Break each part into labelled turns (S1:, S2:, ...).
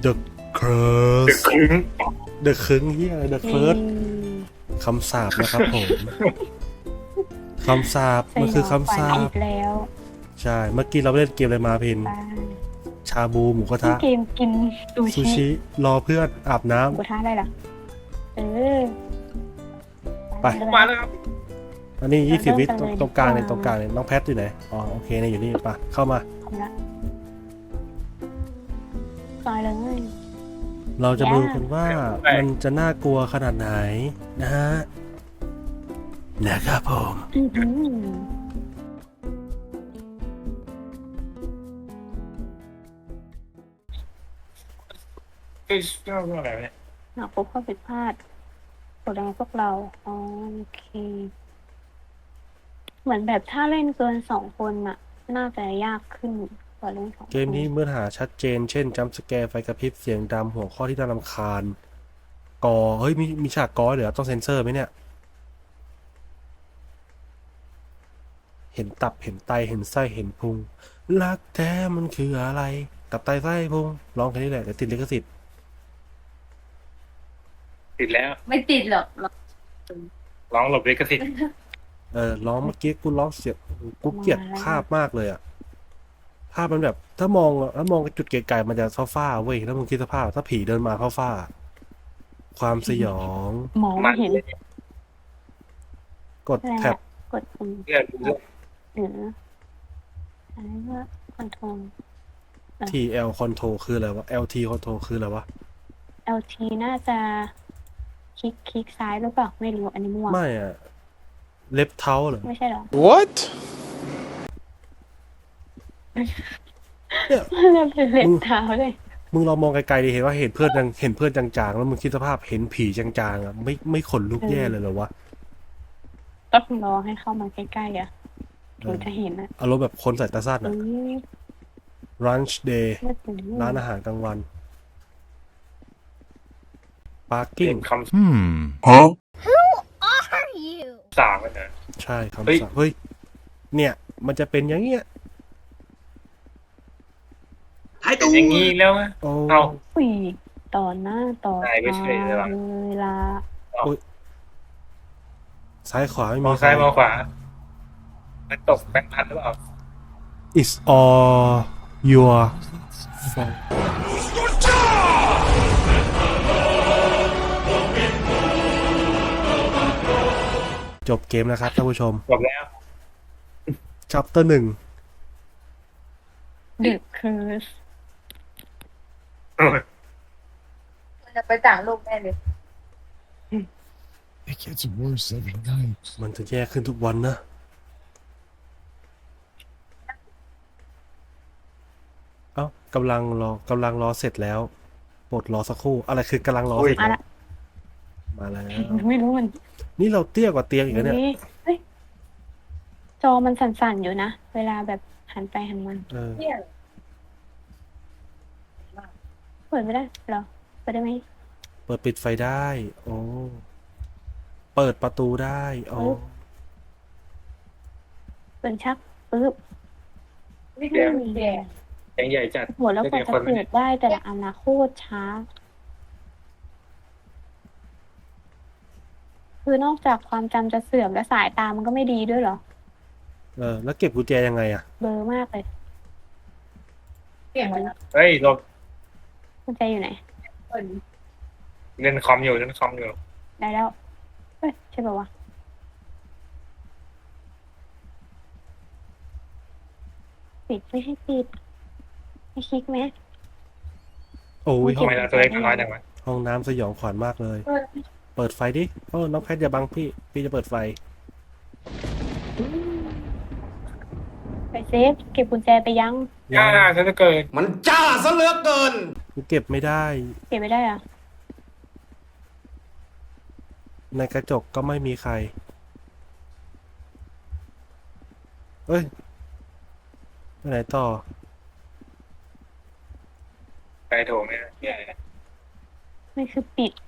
S1: The
S2: เด็ก
S1: Curse
S2: คึ้ง
S1: The คึงเฮีย The Curse คำสาปนะครับผม คำสาปมันคือคำสา
S3: อี
S1: ป
S3: กแล้ว
S1: ใช่ เมื่อกี้เราเล่นเกมอะไรมาพิน
S3: บ้า
S1: ชาบูหมูกระทะ
S3: เกมกินซู
S1: ซู
S3: ชิ
S1: ชิรอเพื่อนอาบน้
S3: หมูกระทะได้เหรอเออ
S1: ไป
S2: มาแล้วครับ
S1: ำอันนี้20 วิตรงกลางเนี่ยตรงกลางเนี่ยน้องแพทอยู่ไหนอ๋อโอเคเนี่ยอยู่นี่ปะเข้ามา
S3: ทำละซอยเลย
S1: เราจะมาดูกันว่ามันจะน่ากลัวขนาดไหนนะฮะนะครับผม
S3: อื้อหือ
S2: เอ้ยเรื่องอะไรเนี่ย
S3: หากพบข้อผิดพลาดกดดันพวกเราอ๋อโอเค เหมือนแบบถ้าเล่นเกิน2 คนน่ะ น่าจะยากขึ้นกว่าเล่น2 คน
S1: เกมนี้เมื่อหาชัดเจนเช่นจัมป์สแกร์ไฟกระพริบเสียงดำหัวข้อที่น่ารำคาญกอเฮ้ยมีฉากกอเหรอต้องเซ็นเซอร์ไหมเนี่ย เห็นตับเห็นไตเห็นไส้เห็นพุงรักแท้มันคืออะไรตับไตไส้พุงร้องแค่นี้แหละเดี๋ยวติดลิขสิทธิ์
S2: ติดแล้ว
S4: ไม่ติดหรอก
S2: ร้องหลบลิขสิทธิ์
S1: ร้องเมื่อกี้กูร้องเสียงกูเกลียดภาพมากเลยอะภาพมันแบบถ้ามองจุดไกลๆมันจะฟ้าๆเว้ยแล้วมึงคิดสภาพถ้าผีเดินมาฟ้าๆความสยอง
S3: มองไม่เห็น
S1: กดแท็บ
S3: กดปุ่ม
S2: เรื่องเรื่อง
S3: หรืออะไรว่าคอนโทรล
S1: TL control คืออะไรวะ LT control คืออะไรวะ
S3: LT น่าจะคลิกซ้ายหรือเปล่าไม่รู้อันนี้มั่ว
S1: ไม่อะเล็บเท้าเหรอ
S3: ไม่ใช่เหรอ
S5: What?
S1: เนี่ย
S3: เริ่มเป็นเล็บเท้าเลย
S1: มึงลองมองไกลๆดิเห็นว่าเห็นเพื่อนจางๆแล้วมึงคิดสภาพเห็นผีจางๆอะไม่ขนลุกแย่เลยเหรอวะ
S3: ต้องรอให้เข้ามาใกล้ๆอ่ะถึงจะเห็นอ่ะ
S1: อารมณ์แบบคนใส่ตาสั้นอะ Lunch Day
S3: ไม่ถึง
S1: ร้านอาหารกลางวัน
S2: เล่
S1: Parking
S2: นค
S5: Huh?
S2: ำสามกันนะ
S1: ใช่
S2: เฮ้ย
S1: คำสั่งเฮ้ย เนี่ย มันจะเป็นอย่างเงี้ย
S2: เป็นอย่างนี้แล้วอะ
S1: โอ้
S2: เอา
S3: อุ้ยต่อหน้าต่อ
S2: ได้ไม่ใช่เลยว่ะ
S3: เวลา
S1: ซ้ายขวาไม่
S2: ม
S1: มี
S2: องซ้ายมองขวามันตกแบงค์พันหรือเปล่า
S1: It's all your fault จบเกมนะครับท่านผู้ชม
S2: จบแล้ว
S1: Chapter 1
S3: ดึกคือ
S4: มันจะไปต่างโลกแน่เลย
S5: It gets worse every night.
S1: มันจะแย่ขึ้นทุกวันนะเอ้ากำลังรอเสร็จแล้วโปรดรอสักครู่ อะไรคือกำลังรอเสร็จ
S3: มา
S1: แล้ว
S3: ละ
S1: มาแล้ว
S3: ไม่รู้มัน
S1: นี่เราเตี้ยกว่าเตียงอีกแล้วเนี่ย
S3: เฮ้ยจอมันสั่นๆอยู่นะ เวลาแบบหันไปหันมา
S1: เออ
S4: เนี่ย
S3: เปิดไม่ได้เหรอเปิดได้ไหม
S1: เปิดปิดไฟได้ โอ้ เปิดประตูได้โอ้
S3: เปิดชักปึ๊บ
S4: ไม่เกี่ยวแย่
S2: ยังใหญ่จัด
S3: หัวแล้วกว่าจะ
S2: คน
S3: เปิดได้แต่ละอันนะโคตรช้า คือนอกจากความจำจะเสื่อมและสายตามันก็ไม่ดีด้วยเหรอ
S1: แล้วเก็บกุญแจยังไงอะ
S3: เบลอมากเลย
S4: เปลี่ยนไปแล้ว
S2: เฮ้ยเรา
S3: กุญแจอยู่ไหน
S4: เปิด
S2: เล่นคอมอยู่
S3: ได้แล้ว เฮ้ย ใช่ป่าวะ ปิดไม่ให้ปิด ให้คลิกไหม
S1: โอ้ย
S2: ทำไมเราตัวเล็กน้อยจังวะ
S1: ห้องน้ำสยองขวัญมากเลย
S4: เปิด
S1: เปิดไฟดิโอ้น้องแพทอย่าบังพี่จะเปิดไฟ
S3: ไปเซฟ เก็บกุญแจไปยัง
S2: ย่าฉันจะเกิด
S5: มันจ้าซะเหลือเกิน
S1: กูเก็บไม่ได้
S3: เก็บไม่ได้เหรอะ
S1: ในกระจกก็ไม่มีใคร เอ้ยไปไหนต่อ
S2: ไปโถไหมเนี่ย
S3: ไม่คือปิด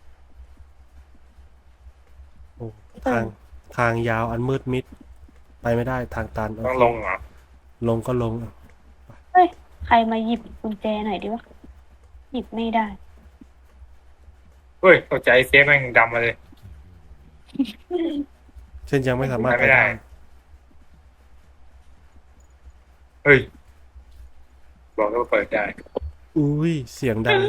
S1: โอ้ทางยาวอันมืดมิด ไปไม่ได้ทางตัน
S2: ต้องลงเหรอ
S1: ลงก็ลง
S3: เฮ้ย ใครมาหยิบกุญแจหน่อยดิวะหยิบไม่ได้
S2: เฮ้ยตกใจเซฟแม่งดำมาเลย
S1: เช่นยังไม่สามารถ
S2: ไม่ได้ เฮ้ยบอกแล้วว่าเปิดได้
S1: อุ้ยเสียงดัง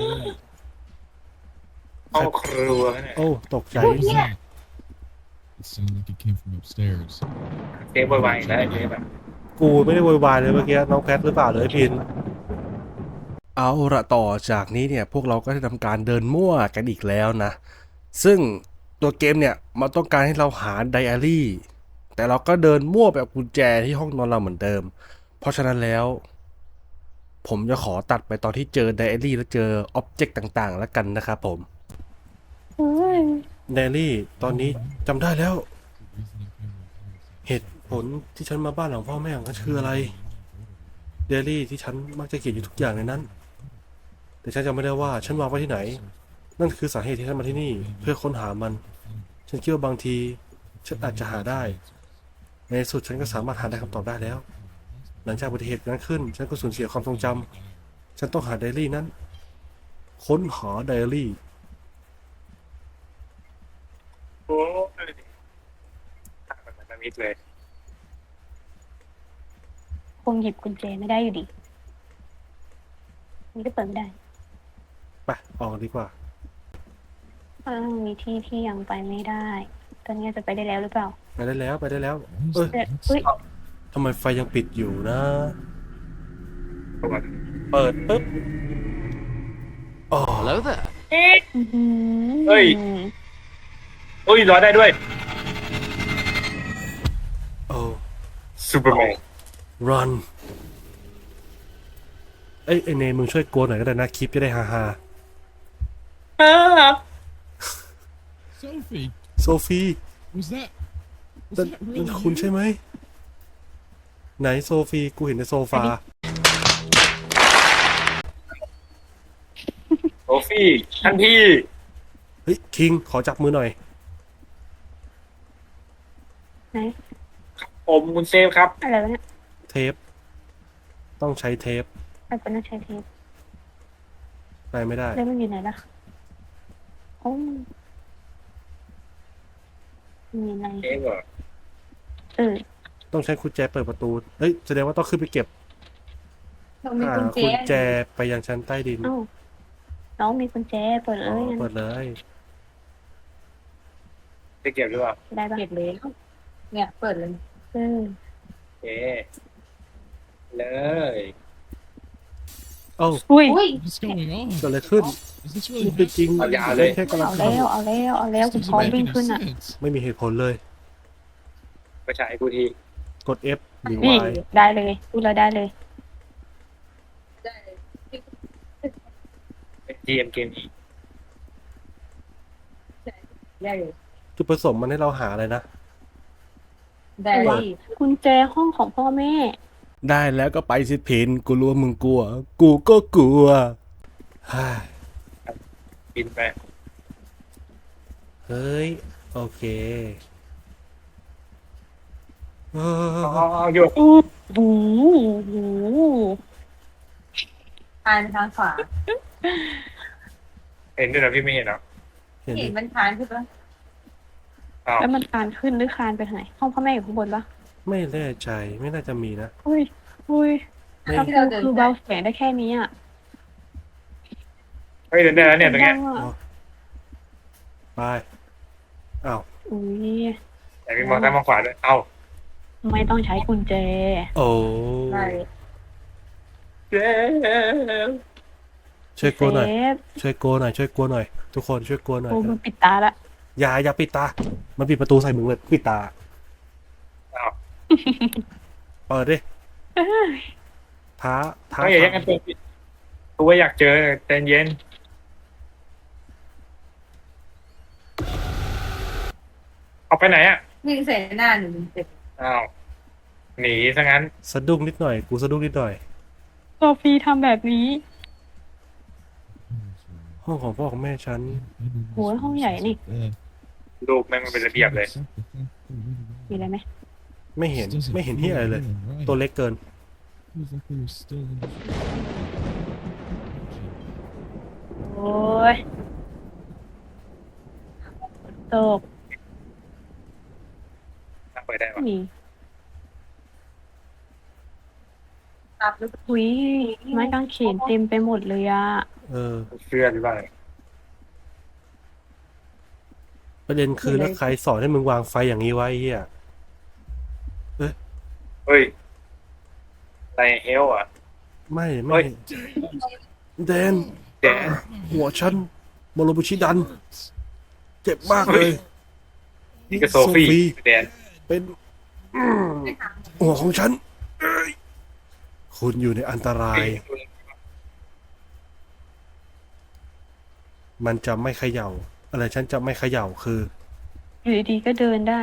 S2: ห้องครัวเนี่ย
S1: โอ้ตกใจ
S5: What was that? It sounded like it came from upstairs.
S2: เซฟไวๆแล้วไอ้เซฟอะ
S1: กูไม่ได้โวยวายเลยเมื่อกี้น้องแพทหรือเปล่าเลยพิน เอาละต่อจากนี้เนี่ยพวกเราก็ได้ทำการเดินมั่วกันอีกแล้วนะ ซึ่งตัวเกมเนี่ยมันต้องการให้เราหาไดอารี่ แต่เราก็เดินมั่วแบบกุญแจที่ห้องนอนเราเหมือนเดิม เพราะฉะนั้นแล้ว ผมจะขอตัดไปตอนที่เจอไดอารี่แล้วเจออ็อบเจกต์ต่างๆ แล้วกันนะครับผม
S3: เฮ้ย
S1: ไดอารี่ตอนนี้จำได้แล้ว
S5: The reason I came to the house.
S1: เหตุผลที่ฉันมาบ้านหลังพ่อแม่ของฉันคืออะไรไดอารี่ที่ฉันมักจะเขียนอยู่ทุกอย่างในนั้น แต่ฉันจำไม่ได้ว่าฉันวางไว้ที่ไหน นั่นคือสาเหตุที่ฉันมาที่นี่เพื่อค้นหามัน ฉันคิดว่าบางทีฉันอาจจะหาได้ ในที่สุดฉันก็สามารถหาได้คำตอบได้แล้ว หลังจากอุบัติเหตุนั้นขึ้น ฉันก็สูญเสียความทรงจำฉันต้องหาไดอารี่นั้น ค้นหาไดอารี่
S2: โอ้ยทางมันมิดเลย
S3: คงหยิบกุญแจไม่ได้อยู่ดีนี่ก็เปิดไม่ได้
S1: ไปออกดีกว่า
S3: มีที่ที่ยังไปไม่ได้ ตอนนี้จะไปได้แล้วหรือเปล่า
S1: ไปได้แล้วไปได้แล้ว
S5: What was
S1: เอ้ย
S5: that?
S3: เฮ้ย
S1: ทำไมไฟยังปิดอยู่นะ
S2: ประมาณ
S1: เปิดปุ๊บอ๋อ
S6: Hello there.
S3: อื้อหือ
S2: เฮ้ย โอ้ยร้อยได้ด้วย
S1: โอ้
S2: ซูเปอร์แมน
S1: run ไอ้เนมึงช่วยโกนหน่อยก็ได้นะคลิปจะได้ฮา
S5: Sophie,
S1: โซฟี
S5: was that? Was
S1: นั่น
S5: that
S1: นั่
S5: really
S1: นคุณ
S5: you?
S1: ใช่ไหม ไหนโซฟีกูเห็นในโซฟา
S2: โอฟี่ท่านพี่
S1: เฮ้ย คิง ขอจับมือหน่อย
S3: ไหน
S2: ผมคุณเซฟครับ
S3: อะไรวะเนี่ย
S1: เทป ต้องใช้เทป
S3: มันเป็นนักใช้เทป
S1: ไปไม่ได้
S3: แล้วมันอยู่ไหนล่ะโอ้มีอะไร
S2: เซฟเหรอ
S3: เออ
S1: ต้องใช้กุญแจเปิดประตู เฮ้ย แสดงว่าต้องขึ้นไปเก็บ
S4: ต้องมี
S1: หา
S4: กุญแจ
S1: กุญแจไปยังชั้นใต้ดิน
S3: เอ้าน้องมีกุญแจเปิดเล
S1: อ๋อย
S3: งั้น
S1: เปิดเลย
S2: จะเก็บหรือเปล่า
S3: ได้ปะ
S4: เก็บเลยเนี่ยเปิดเลย
S3: เออ
S2: โอเค เลย
S1: เอ้า
S3: อุ้ย
S4: อุ้ย
S5: What's going on?
S1: เกิดอะไรขึ้น
S5: Is this
S1: นี่
S5: really
S1: เป็นจริง
S2: เอายาวเลย
S1: แค่กำลัง
S3: เอา
S1: ท
S3: แล้วเอาแล้วเอาแล้ว
S5: This
S3: คุณ
S5: doesn't
S3: พร้อม
S5: make
S3: วิ่ง
S5: any
S3: ขึ้นอ่ะ
S5: sense.
S1: ำไม่มีเหตุผลเลย
S2: ไปฉายกูที
S1: กด F หรือ
S3: นี่
S1: Y
S3: ได้เลยพูดแล้วได้เลย
S4: ได้เลย
S2: เป็น GM เกมนี้
S4: ได้เลย
S1: จุดประสงค์มันให้เราหาอะไรนะ
S4: ได้เลย
S3: กุญแจห้องของพ่อแม่
S1: ได้แล้วก็ไปสิพินกูรู้ว่ามึงกลัว กูก็กลัวฮ่า
S2: บินไป
S1: เฮ้ย โอเคเอ
S2: อ๋อ
S1: อ
S2: โยก
S3: อู้หูหู
S4: ทานทางขวา
S2: เห็นด้วยเหรอพี่ไม่เห็นเหรอ
S1: เห็น
S4: เห็
S1: ดิ
S4: นมันทานขึ้นปะ
S2: อ้าว
S3: แล้วมันคานขึ้นหรือคานไปทางไหน ห้องพ่อแม่อยู่ข้างบนปะ
S1: ไม่แน่ใจไม่น่าจะมีนะ
S3: อุ้ยอุ้ย
S1: ไม่
S3: ถ้าคือเบาเสียงได้แค่นี้อ่ะ
S2: เฮ้ยเดินได้แล้วเนี่ยตรงเนี้ย
S3: ดังอะ
S1: ไปอ้าว
S3: อุ้ย
S2: แต่มีมองซ้ายมองขวาด้วยเอ้า
S3: ไม่ต้องใช้กุญแจ
S1: โอ้
S4: ได้
S2: เจ๊
S1: ช่วยโกนหน่อย
S3: เซฟ
S1: ช่วยโกนหน่อยช่วยโกนหน่อย ทุกคนช่วยโกนหน่อย
S3: กูมันปิดตาละ
S1: อย่าปิดตา มันปิดประตูใส่มึงเลยปิดตา
S2: อ้าว
S1: เปิดดิท้า
S2: ต้องอย่าแย่งกันเปิดปิดกูว่าอยากเจอใจเย็นเอาไปไหนอ่ะ
S4: วิ่งใส่หน้าหนูเจ็บ
S2: อ้าวหนีซะงั้น
S1: สะดุ้งนิดหน่อย กูสะดุ้งนิดหน่อย
S3: โซฟีทำแบบนี้
S1: ห้องของพ่อของแม่ฉัน
S3: โหห้องใหญ่นี่
S2: รูปแม่งมันเป็นระเบียบเลย
S3: มีอะไรไหม
S1: ไม่เห็นไม่เห็นที่อะไรเลย ตัวเล็กเกิน
S5: Feels like they were still in the
S3: ยตก
S2: นั่งไปได้ปะ
S3: นี่
S4: ตับหรือ
S3: หุยไม้กางเขนเต็มไปหมดเลยอะ
S1: เออ
S2: เสื้อหรือเปล่า
S1: ประเด็นคือแล้วใครสอนให้มึงวางไฟอย่างนี้ไว้เฮีย
S2: เฮ้ยไรเฮลอ่ะ
S1: ไม่
S2: เฮ้ย
S1: แดน
S2: แดน
S1: หัวฉันโมโรบุชิดัน เจ็บมากเลย
S2: นี่ก็โซฟี่แดน
S1: เป็นหัวของฉันเอ้ยคุณอยู่ในอันตราย มันจะไม่เขย่า อะไรฉันจะไม่เขย่าคือ
S3: อยู่ดีๆก็เดินได้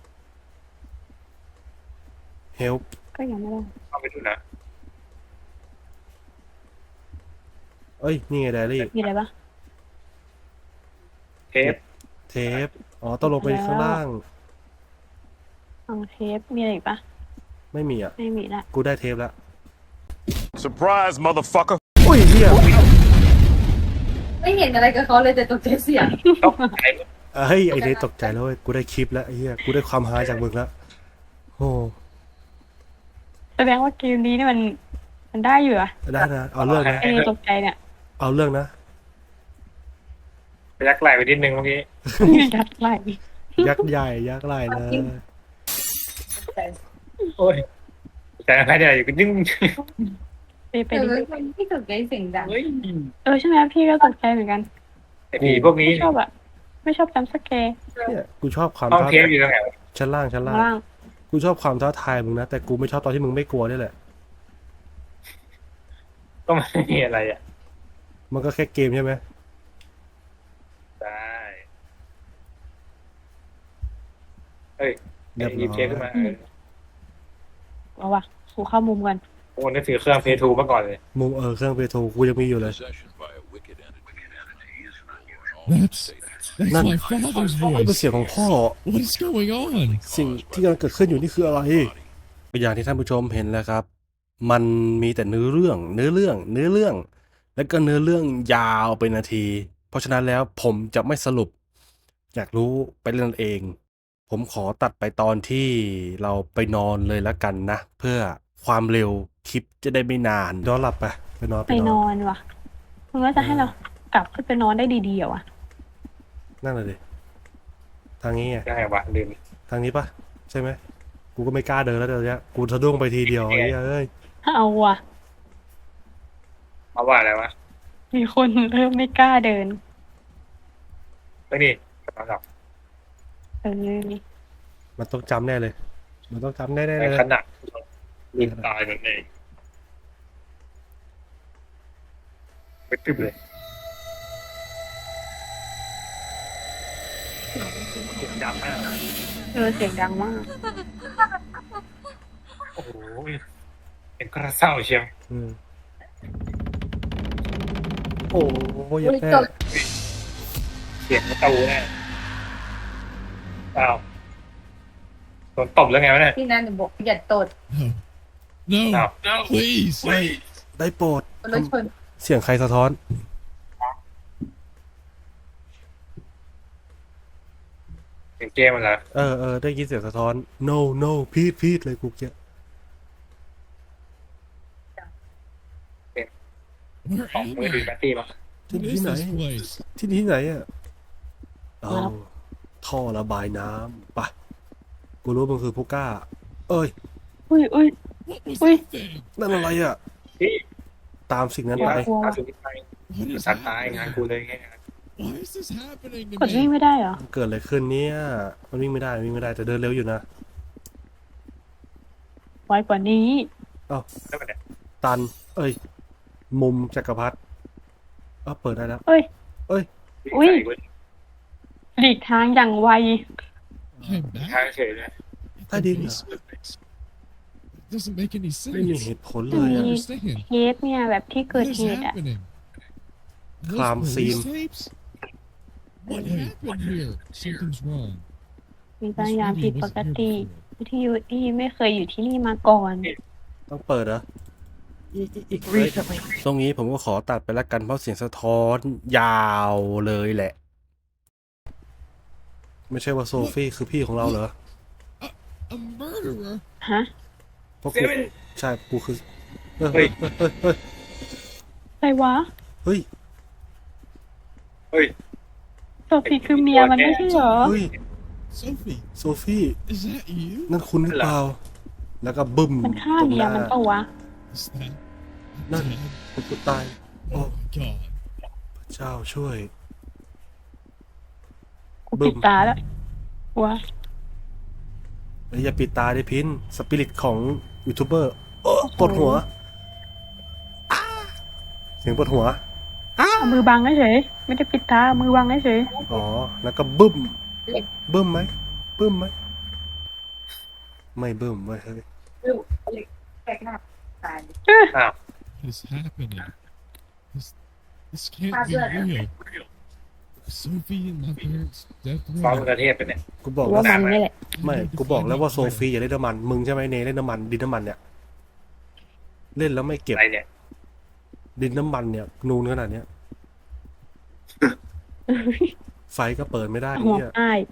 S1: help
S3: ก็ยังไม่ได้
S2: เข้าไปดูนะ
S1: เอ้ย นี่ไงไดรี่
S3: มีอะไรปะ
S2: เทป
S1: เทป อ๋อ ต้องลงไปข้างล่าง
S3: เอาเทปมีอะไรอีกปะ
S1: ไม่มีอ่ะ
S3: ไม่มีละ
S1: กูได้เทปแล้ว
S6: Surprise, motherfucker.
S1: อุ้ยเฮีย
S4: ไม่เห็นอะไรกับเขาเลยแต่ตกใจเสียง
S2: ตกใจ
S1: เฮ้ย ไอเดย์ตกใจแล้วเว้ย กูได้คลิปแล้วไอ้เฮีย กูได้ความฮาจากมึงแล้ว โอ้
S3: แสดงว่าเกมนี้นี่มันได้อยู่อะ
S1: ได้นะ เอาเรื่องนะ
S3: ไอ้นี่ตกใจเนี่ย
S1: เอาเรื่องนะ
S2: ไปยักไหลไปนิดนึงเมื่อกี้
S3: ยัดไหล
S1: ยักษ์ใหญ่ยักษ์ไหลนะ
S2: โอ้ยแต่ใครเนี่ยอยู่ก็ยิ่ง
S3: ไป
S4: แต่
S3: ดิ
S4: ว่าคนที่ตกใจเสียงดัง
S2: เฮ้ย
S3: ใช่ไหมพี่ก็ตกใจเหมือนกัน
S2: ไอผีพวกนี้
S3: ไม่ชอบอะไม่ชอบจำสแกร์
S1: เนี่ยกูชอบความ
S2: ห้อง
S1: ท้า
S2: เทปอยู่ตรงไหนวะ
S1: ชั้นล่างชั้น
S3: ข้าง
S1: ล่าง
S3: ล่าง
S1: กูชอบความท้าทายมึงนะ แต่กูไม่ชอบตอนที่มึงไม่กลัวนี่แหละ
S2: ก็ไม่มีอะไรอ่ะ
S1: มันก็แค่เกมใช่ไหม
S2: ได้เฮ้ย
S1: เรียบ
S2: หยิบ
S1: ร้อ
S2: เทปขึ้นมาย
S3: เอาวะกูเข้ามุมกัน
S2: โอ้นึกถือเครื่องเพย์ทูมาก่อนเลย
S1: มุมเครื่องเปโทรกูยังมีอยู่เลย
S6: Possession by a wicked entity.
S5: That's
S1: None.
S5: my father's
S1: เป็น
S5: voice.
S1: เสียงของพ่อ
S5: What is going on?
S1: สิ่งที่กำลังเกิดขึ้นอยู่นี่คืออะไรอย่างที่ท่านผู้ชมเห็นแล้วครับ มันมีแต่เนื้อเรื่อง แล้วก็เนื้อเรื่องยาวเป็นนาที เพราะฉะนั้นแล้วผมจะไม่สรุป อยากรู้ไปเล่นเอง ผมขอตัดไปตอนที่เราไปนอนเลยละกันนะ เพื่อความเร็วคลิปจะได้ไม่นานนอนหลับไปนอน
S3: ไปนอนว่ะมึงว่าจะให้เรากลับขึ้นไปนอนได้ดีๆเหรอวะ
S1: นั่งเลยดิทางนี้ไง
S2: ยังไงวะลืม
S1: ทางนี้ปะใช่ไหมกูก็ไม่กล้าเดินแล้วเดี๋ยวนี้กูสะดุ้งไปทีเดียวไอ้เหี้ยเอ้ย
S3: เอาว่ะ
S2: เอาว่าอะไรวะ
S3: มีคนเริ่มไม่กล้าเดิน
S2: เฮ้ยนี่กำลังหลับ
S3: นี่
S1: มันต้องจำแน่เลย มันต้องจำแน่ๆ
S2: ใน
S1: เลย
S2: ขณะลืมตายนั่นเองไปตึบเลยจำมาก
S3: เสียงดังมาก
S2: โอ้โหเป็นกระเซ้าเชียว
S1: อืมโอ้ยอย่าแพ้
S2: เสียงประตูแน่อ้าวโดนตบแล้วไงวะเนี่ย
S4: ที่นั่นบอกอย่าตด
S5: No.
S2: อ้าว
S5: No. Please.
S1: ได้โปรด
S4: รถชน
S1: เสียงใครสะท้อน
S2: เสียงเกมมันเหรอ
S1: ได้ยินเสียงสะท้อน no พีดเลยกูเกี้ย
S5: Where
S2: ของ
S5: am
S2: มือถือ
S5: I?
S2: แบตตี้มั้ง
S1: ที่
S5: What
S1: ที่
S5: is
S1: ไหน
S5: this place?
S1: ที่ไหนอ่ะเอา
S3: ครับ
S1: ท่อระบายน้ำไปะกูรู้มันคือผู้กล้า เอ้ย
S3: อุ้ย
S5: What was
S3: Wait.
S5: that thing?
S1: นั่นอะไรอ่ะ
S2: พี่
S1: ตามสิ่งนั้น
S2: เดี๋ยว
S1: ไป
S2: อาสุนิไป
S5: What is
S2: สัตว์ตาย
S5: happening?
S2: งานกูเลยไง
S5: Why is this happening
S3: กด
S5: to
S3: วิ่ง
S5: me?
S3: ไม่ได้เหรอ
S1: เกิดอะไรขึ้นเนี่ย มันวิ่งไม่ได้แต่เดินเร็วอยู่นะ
S3: ไวกว่านี้
S2: แล้วมันเนี่ย
S1: ตัน เอ้ย มุมจักรพรรดิเปิดได้แล้ว
S3: เอ้ย
S1: เอ้ย
S3: อุ๊ย
S2: ใส่เว้ย
S3: หลีกทางอย่างไว
S5: I'm
S2: ทาง
S5: back.
S2: เฉยเลย
S1: ใต้ดินเหรอ
S5: It doesn't make any
S1: ไม่มี
S5: sense.
S1: เหตุผล
S5: I
S1: เลย
S5: don't
S1: อะ
S5: understand.
S3: เทปเนี่ยแบบที่เกิด
S5: What
S3: เห
S5: is
S3: ตุอะ
S5: happening? Those
S1: Crime
S5: police
S1: scene.
S5: tapes? What happened here? Something's wrong.
S3: มี
S5: This
S3: บางอย่าง
S5: radio
S3: ผิดป
S5: wasn't
S3: ก
S5: here
S3: ติ
S5: before.
S3: ที่ยูอี้ไม่เคยอยู่ที่นี่มาก่อน
S1: ต้องเปิดเหรอเฮ้ยตรงนี้ผมก็ขอตัดไปละกันเพราะเสียงสะท้อนยาวเลยแหละ ไม่ใช่ว่าโซฟี่คือพี่ของเราเหรอ
S5: A murderer?
S3: ฮะ
S1: เพราะกูใช่กูคือเฮ้
S2: เฮ้
S1: ย
S2: ย
S1: เฮ้ย
S3: อะไรวะ
S1: เฮ้ย
S2: เฮ้ย
S3: โซฟีคือเมียมันไม่ใช่เหรอ
S1: เฮ้ย
S5: Sophie,
S1: โซฟี่
S5: is that you?
S1: นั่นคุณหรือเปล่า แล้วก็บึ้ม
S3: มันฆ่า
S1: ตรง
S3: เมี
S1: ห
S3: ย
S1: น้า
S3: มันเปล่าวะ
S5: Is that
S1: No.
S5: dead?
S1: กูตาย โอ้
S5: Oh my god.
S1: พระเจ้าช่วย
S3: กู
S1: บึ้
S3: ปิ
S1: ม
S3: ดตาแล้ววะ
S1: เฮ้ยอย่าปิดตาดิพินสปิริตของยูทูบเบอร์โอ้ปวดหัวอ้าเสียงปวดหัว
S3: เอามือบังเฉยๆไม่ได้ปิดตาเอามือบังเฉย
S1: อ๋อ แล้วก็บึ้ม บึ้มไหมบึ้มไหม ไม่บึ้มเว้ยเฮ้ย
S4: แปลกหน้าตาย
S2: อ้าว
S5: What is happening? This can't
S4: How's
S5: be
S4: that?
S5: real. Sophie and my parents' death
S2: ฟ้อง
S5: row.
S2: ประเทศไปเนี่ย
S1: กูบอก
S3: ๆ
S1: แล้ว
S3: ว่ามันนี่แหละ
S1: ไม่ กูบอกแล้วว่าโซฟีอย่าเล่นน้ำมัน มึงใช่ไหมเนเล่นน้ำมัน ดินน้ำมันเนี่ย เล่นแล้วไม่เก็บ
S2: อะไรเนี่ย
S1: ดินน้ำมันเนี่ย นูนขนาดเนี้ย ไฟก็เปิดไม่ได้
S3: หัว
S1: เนี่ย
S3: อ้าย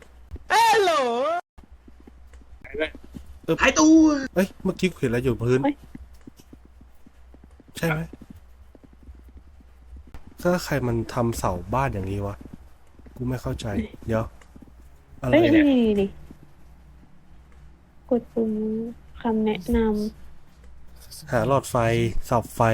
S1: หายตัวเอ้ย เมื่อกี้กูเห็นอะไรอยู่พื้น
S3: เฮ้ย
S1: ใช่ไหมถ้าใครมันทำเสาบ้านอย่างนี้วะ กูไม่เข้าใจ เดี๋ยว อะไร
S3: เฮ้ย
S1: เนี่ย
S3: นี่กดปุ่มคำแนะน
S1: หาหลอดไฟสับไฟ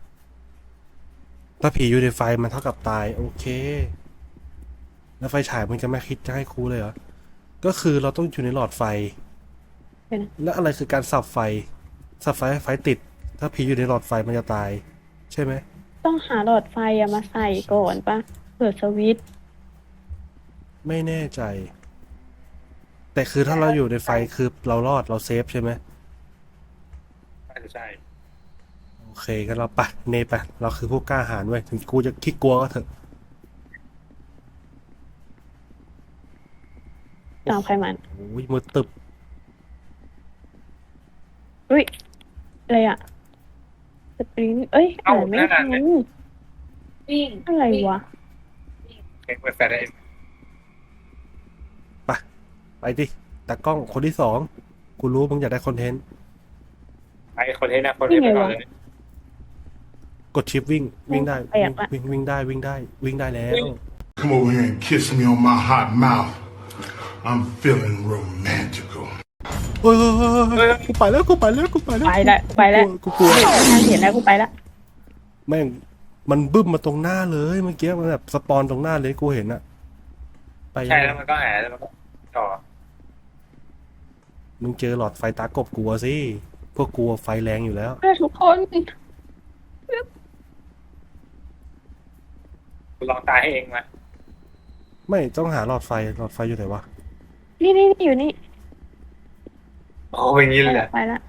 S1: ถ้าผีอยู่ในไฟมันเท่ากับตาย โอเค แล้วไฟฉายมันจะไม่คิดจะให้ครูเลยเหรอ ก็คือเราต้องอยู่ในหลอดไฟ
S3: ำเป็น
S1: และอะไรคือการสับไฟ สับไฟให้ไฟติด ถ้าผีอยู่ในหลอดไฟมันจะตาย ใช่ไหม
S3: ต้องหาหลอดไฟอะมาใส่ก่อนปะเปิดสวิตช์
S1: ไม่แน่ใจ แต่คือถ้าเราอยู่ในไฟคือเรารอดเราเซฟใช่ไหม
S2: น่าจะใช่
S1: โอเคกันเราไปเนไปเราคือผู้กล้าหาญเว้ยถึงกูจะขี้กลัวก็เถอะ
S3: ตามใครมัน
S1: โอ้ยมือตึบ
S3: อุ้ยอะไรอะสปริงเอ้ยอ่านไม่ทัน
S4: วิ่ง
S3: อะไรวะ
S2: เอ็กซ์เปิดแฟลชได้
S1: ไปดิตากล้องคนที่สองกูรู้มึงอยากได้คอนเทนต์
S2: ไอ้คนเทนนะคนเทนไปก่อนเลย
S1: กดชิปวิ่งวิ่งได้
S3: แปลกอะ
S1: วิ่งได้วิ่งได้วิ่งได้แล้ว
S7: Come over here and kiss me on my hot mouth. I'm feeling romantical.
S1: เฮ้ยกูไปแล้วกูไปแล้วกูไปแล้ว
S3: ไปแล้ว
S1: กูกลัว
S3: ทางเห็นแล้วกูไปละ
S1: แม่งมันบึ้มมาตรงหน้าเลยเมื่อกี้มันแบบสปอนตรงหน้าเลยกูเห็นอะไป
S2: ใช่แล้วมันก็หายแล้วมันก็ต่อ
S1: มึงเจอหลอดไฟตากบกลัวสิพวกกลัวไฟแรงอยู่แล้ว
S3: ทุกคน
S2: ลองตายให้เองมา
S1: ไม่ต้องหาหลอดไฟอยู่ไหนวะ
S3: นี่อยู่นี่
S2: โอ้ยอย่างนี้เลยเหรอ
S3: ไปละ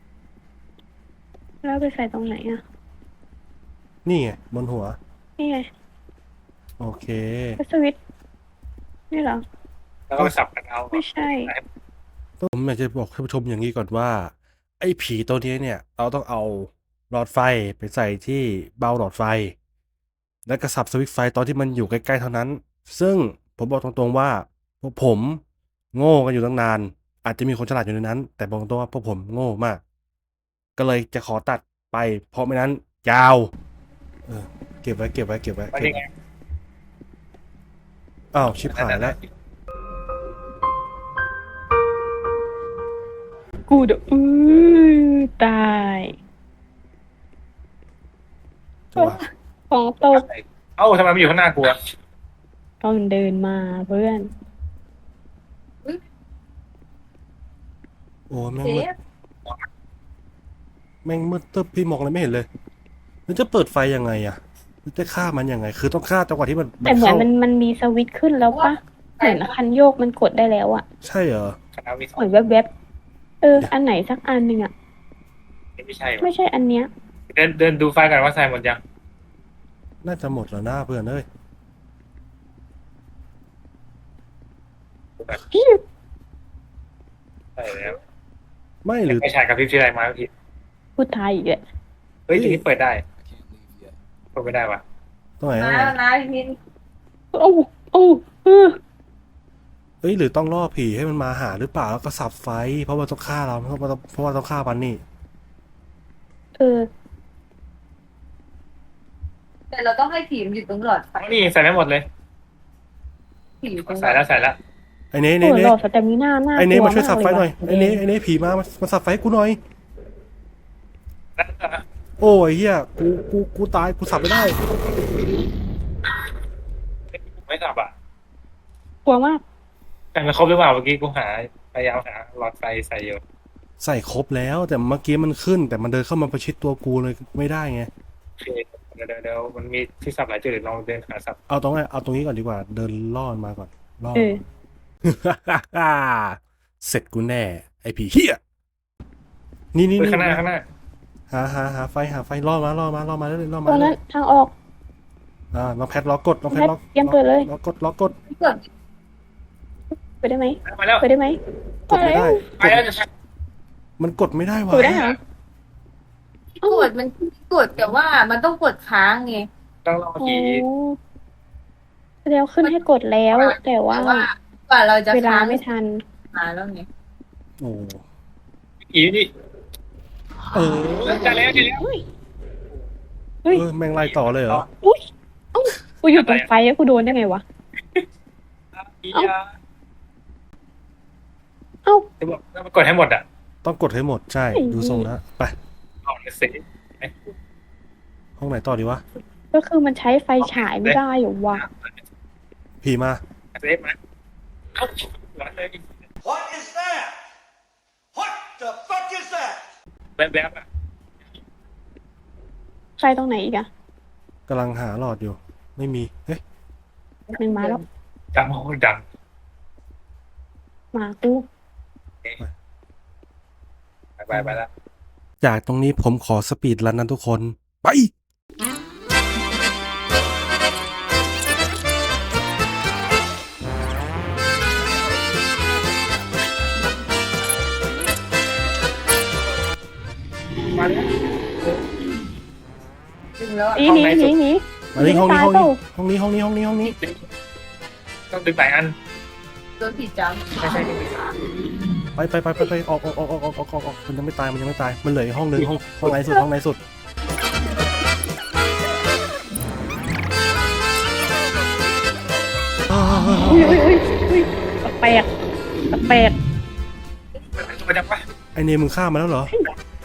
S3: แล้วไปใส่ตรงไหนอะ
S1: นี่ไงบนหัว
S3: นี่ไง
S1: โอเค
S3: ก็สวิตช์นี่เหรอ
S2: แล้วก็ไปสับกันเอา
S3: ไม่ใช่
S1: ผมอยากจะบอกท่านผู้ชมอย่างนี้ก่อนว่า ไอ้ผีตัวนี้เนี่ย เราต้องเอาหลอดไฟไปใส่ที่เบาหลอดไฟ แล้วก็สับสวิตช์ไฟตอนที่มันอยู่ใกล้ๆเท่านั้น ซึ่งผมบอกตรงๆว่าพวกผมโง่กันอยู่ตั้งนาน อาจจะมีคนฉลาดอยู่ในนั้น แต่บอกตรงๆว่าพวกผมโง่มาก ก็เลยจะขอตัดไป เพราะไม่นั้นยาว เก็บไว้
S2: ว่ายังไง
S1: อ้าวชิบหายแล้ว
S3: กูเดตาย
S1: จังหวะ
S3: ของตก
S2: เอ้าทำไมมันอยู่ข้างหน้ากูอะ
S3: ต้องเดินมาเพื่อน
S1: โอ้แม่ง
S4: เซ
S1: มืด
S4: ฟ
S1: แม่งมืดตึ๊บพี่มองอะไรไม่เห็นเลยแล้วจะเปิดไฟยังไงอะแล้วจะฆ่ามันยังไง คือต้องฆ่าจังหวะที่มัน
S3: แต่เหมือน
S1: เข้า
S3: มันมีสวิตช์ขึ้นแล้วปะเหมือนคันโยกมันกดได้แล้วอะ
S1: ใช่เหรอ
S2: คณะวิศ
S3: เหมื
S2: วะ
S3: อนแวบๆอันไหนสักอันหนึ่งอะ
S2: ไม่ใช่วะ
S3: ไม่ใช่อันเนี้ย
S2: เดินดูไฟกันว่าใส่หมดยัง
S1: น่าจะหมดแล้วนะเพื่อนเอ้ย
S2: ใช่แล้ว
S1: ไม่หรือ
S2: ไม่ใช่กับพริบที่ไรมาพี่
S3: พูดไทยอีกแหละ
S2: เอฮ้ยทีนี้เปิดได้
S5: I can't leave yet.
S2: เปิดไม่ได้วะ
S1: ตรงไหนตรง
S4: นะ
S1: ไหน
S4: นะพี่มิน
S3: โอ้โอ้เออ
S1: เอ้ยหรือต้องล่อผีให้มันมาหาหรือเปล่าแล้วก็สับไฟ เพราะว่าต้องฆ่าเราเพราะว่าต้องฆ่ามันนี่
S3: เออ
S4: แต่เราต้องให้ผีมันอยู่ตรงหลอดไฟ
S2: นี่ใส่ได้หมดเลย
S4: ผีอยู่ตรงหล
S2: ใส่
S4: อด
S2: แล้วใส่แล้ว
S1: ไอ้เน่
S3: โอ้
S1: เน่
S3: โห
S1: เน่
S3: หลอดสเตมิน่าหน้า
S1: ไอ้เน่มาช่วย
S3: ก
S1: สับไฟ
S3: ก
S1: หน่อย
S3: ว่ะ
S1: ไอ้เน่ผีมาสับไฟให้กูหน่อย
S2: แล้วก็
S1: โอ้ยเฮียกูตายกูสับไม่ได้
S2: ไม่สับอ่ะ
S3: กลัวมาก
S2: แต่มันครบหรือเปล่าเมื่อกี้กูพยายามหาหลอดไฟใส่อยู่
S1: ใส่ครบแล้วแต่เมื่อกี้มันขึ้น แต่มันเดินเข้ามาประชิดตัวกูเลยไม่ได้ไง
S2: โอเคเดี๋ยวมันมีที่สับหลายจุดเดี๋ยวลองเดินหาสับ
S1: เอาตรงนี้ก่อนดีกว่า เดินล่อมันมาก่อนล่อ
S3: เออ
S1: เสร็จกูแน่ ไอ้ผีเฮียนี่
S2: เฮ้ยข้างหน้า
S1: หาไฟล่อมาเรื่อยๆล่อ
S3: ต
S1: มา
S3: รง
S1: เรื่อย
S3: นั้นทางออก
S1: ๆน้องแพทล็อกกดน้องแพทล็อก
S3: แพทยังเปิดเลย
S1: ล็อกกด
S4: ที่เกิด
S3: ไปได้ไหม
S2: มาแล้ว
S3: ไปได้ไหม
S1: กดไม่ได้
S2: ไปแล้วจะ
S1: มันกดไม่ได้วะ
S3: ไปได้เหรอ
S4: ที่กดมันกดแต่ว่ามันต้องกดค้างไง
S2: ต้องรอ
S3: โอ้
S2: ผี
S3: แล้วขึ้นให้กดแล้ว แต่ว่า
S4: แต่ว่ากว่าเราจะ
S3: เวลา
S4: ค้าง
S3: ไม่ทัน
S4: มาแล้วไง
S1: โอ้
S2: ผีนี่
S1: เออ
S2: จะแล้วจะแล้ว
S3: เฮ้ย เฮ้ย
S1: แม่งไล่ต่อเลยเหรอ
S3: อุ้ยเอ้ากูอยู่ตรงไฟแล้วกูโดนได้ไงวะ
S2: ผี
S3: เอ้า
S2: อ่ะ
S3: เอ้า
S2: จะบอกต้องกดให้หมดอ่ะ
S1: ต้องกดให้หมดใช่
S3: ไอ้
S1: ดูทรงแล้วไป
S2: เอาเลยสิ
S1: ห้องไหนต่อดีวะ
S3: ก็คือมันใช้ไฟฉายไม่ได้เหรอวะ
S1: ผีมา
S2: เซฟมาเอาหลอนเลย
S8: What is that? What the fuck is that?
S2: แบบอ่ะ
S3: ไฟตรงไหนอีกอะ
S1: กำลังหาหลอดอยู่ ไม่มีเฮ้ย
S3: หนึ่งมาแล้ว
S2: ดังโอ้ดัง
S3: มากู
S2: ไปแล้ว
S1: จากตรงนี้ผมขอสปีดรันนะทุกคน ไป
S2: มาแล้ว
S4: ถึงแล้ว
S3: หนีหนี
S1: มานี่ห้องนี้
S3: ตาย
S1: ห้อง
S3: เปล่า
S1: นี้ห้องนี้ห้องนี้ห้องนี้
S2: ต้องดึงหลายอัน
S4: โดนผีจับ
S2: ไม่ใช่ดึง
S1: ไปออกมันยังไม่ตายมันเหลืออีกห้องนึงห้องไหนสุด
S3: อุ้ยแปลกแปลก
S2: ตัวจังวะ
S1: ไอเนมมึงฆ่ามาแล้วเหรอ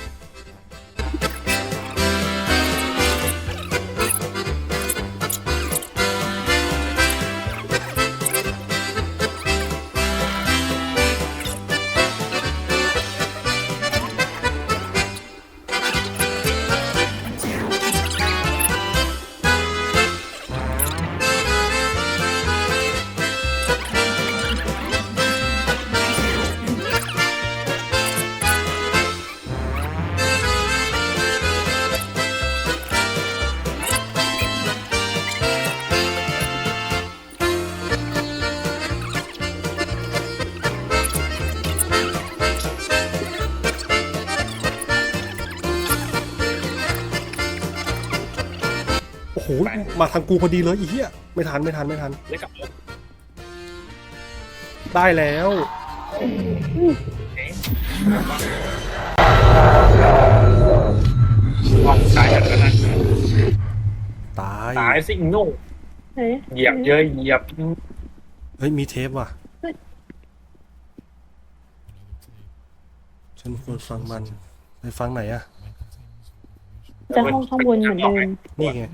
S1: โอ้โห มาทางกูพอดีเลยอีเหี้ยไม่ทัน
S2: เล่นกับรถ
S1: ได้แล้ว
S2: ห้องซ้ายกันแล้วนะ
S1: ตาย
S2: ตายสิงโง่
S3: เฮ้ย
S2: เหยียบเยอะเหยียบ
S1: เฮ้ย มีเทปว่ะ ฉันควรฟังมัน ไปฟังไหนอะ
S5: Might contain useful information.
S3: จะห้องข้างบนเหมือนเดิม
S1: นี่ไง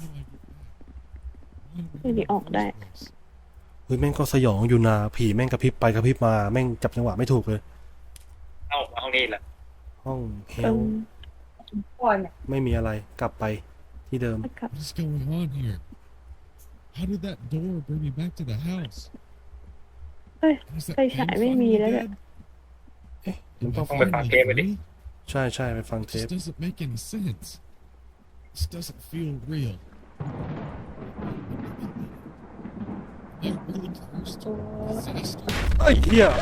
S3: ไม่ได้ออกได้
S1: เฮ้ย แม่งก็สยองอยู่นะผีแม่งกระพริบไปกระพริบมา แม่งจับจังหวะไม่ถูกเลย
S2: เอามาห้องนี้แหละ
S1: ห้องเฮ
S3: เอ
S1: ล
S4: ก่อนเนี่ย
S1: ไม่มีอะไร กลับไปที่เดิม
S3: ครับ
S5: What is going on here? How did that door bring me back to the house?
S3: เฮ้ย
S5: Was that
S3: ไฟฉาย
S5: pen
S3: ไม่มี
S5: finally
S3: แล้วเนี่ย
S5: dead?
S1: มัน
S5: Am
S1: ต้อง
S5: I
S2: ต้องไปฟัง
S5: finally
S2: เกมไปดิ
S5: free?
S1: ใช่ไปฟังเทป
S5: This doesn't make any sense. This doesn't feel real. Am I really close to disaster?
S1: ไอ้เหี้ย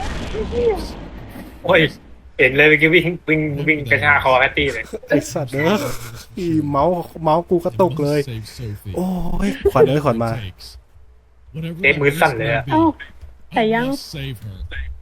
S2: โอ้ยเห็นเลยเมื่อกี้วิ่งกระชากคอแพตตี้เลย
S1: ไอ้สัตว์เนอะเมาส์กูกระตุกเลย
S5: Save Sophie.
S1: โอ้ยขวัญขวัญมา
S5: Whatever
S2: เจ๊
S5: that
S2: มือ
S5: risk
S2: สั่นเลย
S5: may
S2: อะ
S5: be,
S3: เอ้า แต่
S5: I
S3: ยัง
S5: must save her.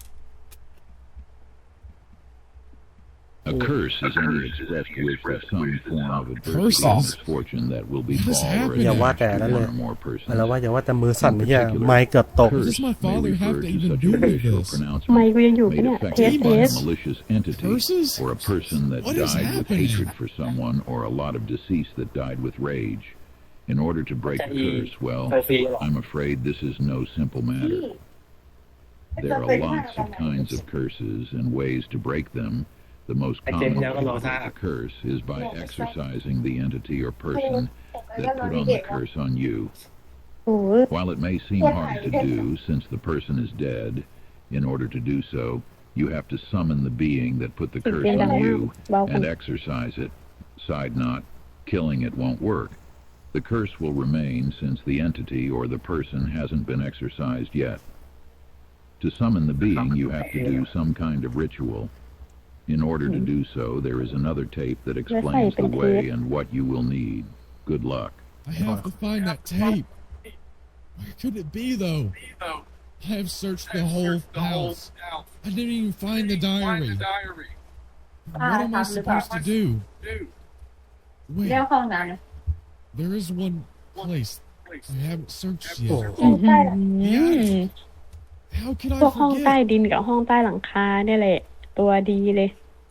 S9: A curse is any expressed wish of some form of adversity or
S5: Curses?
S9: misfortune that will
S5: What is
S9: befall or
S5: happening?
S1: อย่าว่า
S9: attach
S1: แต่
S9: to
S1: นั้นเล
S9: one
S1: ย
S9: or more persons.
S1: แล้วว่าอย่าว่าแต่มือสั่นเฮียไม้เกือบตก
S5: What does my
S9: Curse
S5: father
S9: may
S5: have
S9: refer
S5: to
S9: to
S5: even
S9: such
S5: do
S9: a
S5: with
S9: wish or
S5: this?
S1: ไม
S9: pronouncement
S1: ค์กูยังอยู่ปะ
S9: made
S1: เนี่ย
S9: effective by a
S5: Demons?
S9: malicious entity
S5: Curses?
S9: or a person that
S5: What is
S9: died with
S5: happening?
S9: hatred for someone or a lot of deceased that died with rage. In order to break the curse, well,
S2: โซฟีหรอ
S9: I'm afraid this is no simple matter. There are lots of kinds of curses and ways to break them. The most
S2: I
S9: common
S2: didn't
S9: way
S2: know
S9: to
S2: about
S9: break
S2: that.
S9: a curse is by exorcising the entity or person that put on the curse on you.
S3: โอ้ย
S9: While it may seem hard to do since the person is dead, in order to do so, you have to summon the being that put the curse on you and exorcise it. Side note, killing it won't work. The curse will remain since the entity or the person hasn't been exorcised yet. To summon the being, you have to do some kind of ritual. In order to do so, there is another tape that explains the way and what you will need. Good luck.
S5: I have to find that tape. Where could it be, though? I have searched the whole house. I didn't even find the diary. What am I supposed to do?
S4: เรียก
S5: Wait,
S4: ห้องน้ำนะ
S5: there is one place I haven't searched
S1: โอ้
S5: yet.
S3: อื้อหือ
S5: How can
S3: พวก
S5: I
S3: ห้องใต้
S5: forget?
S3: ดินกับห้องใต้หลังคาเนี่ยแหละ ตัวดีเลย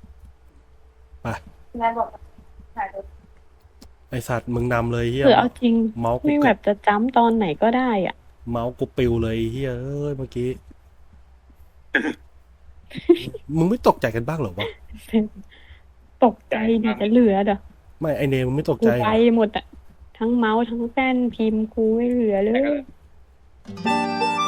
S4: แม่บอกถ่ายรถ
S1: ไอสัตว์มึงนำเลยเฮีย
S3: คือเอาจริง
S1: เมาส์กู
S3: ไม่แบบจะจ้ำตอนไหนก็ได้อ่ะ
S1: เมาส์กูปิวเลยเฮียเอ้ยเมื่อกี้ มึงไม่ตกใจกันบ้างเหรอวะ
S3: ตกใจดีจะเหลือเด้อ
S1: ไม่ไอเนมมึงไม่ตก
S3: กู
S1: ใจเหร
S3: ไป
S1: อ
S3: หมดอ่ะ ทั้งเมาส์ทั้งแป้นพิมพ์กูไม่เหลือเลย